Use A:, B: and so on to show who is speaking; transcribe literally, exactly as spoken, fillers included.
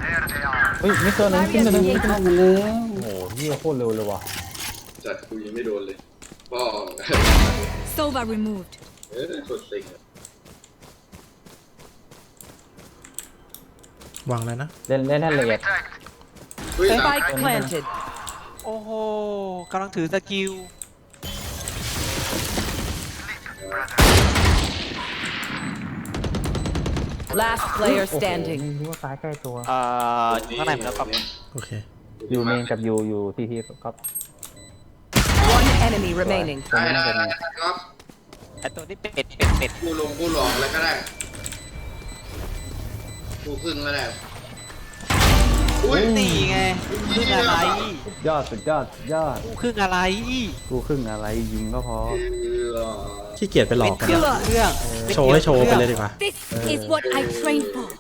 A: เฮ้ยไม่เกินนึงขึ้นมานึงขึ้น
B: เข้า
A: มา
B: มาแล้ว
A: โอ้โหเฮียโคตรเร็วเลยว่ะ
C: จัดกูยังไม่โดนเลยพ่อ
D: Sova removed.
C: เออคนสิง
E: วางแล้วนะ
A: เล่นเล่นให้ละเอียด
C: เฮ้ย
D: Spike planted.
F: โอ้โหกำลังถือสกิล
D: Last player
A: โอ้โห
D: standing.
A: ไม่รู้ว่าซ้ายใกล้ตัว
F: เอ่ออยู่ข้างในผมแล้วครับ
E: โอเค
A: อยู่เมนกับอยู่อยู่ทีทีก็
D: One enemy remaining.
A: ตรง
C: ได้
A: นี้
C: ได้
A: เป็น
C: ได้ครับ
F: ไอตัวนี้เป็ดเป็ดเป็ด
C: กูลงกูหลอกอะไรก็ได้กูครึ่งก็ได้อุ้ย
F: นี่ไงครึ่งอะไร
A: ยอดสุดยอดสุดยอด
F: กูครึ่งอะไร
A: กูครึ่งอะไรยิงก็พอ
C: เออ
E: ขี้เกียจไปหล
F: เป็
E: อก
F: น
E: กัน
F: เครื่องเครื่อง
E: โชว์ให้โชว์ไปเลยดีกว่า
D: This is what I trained for.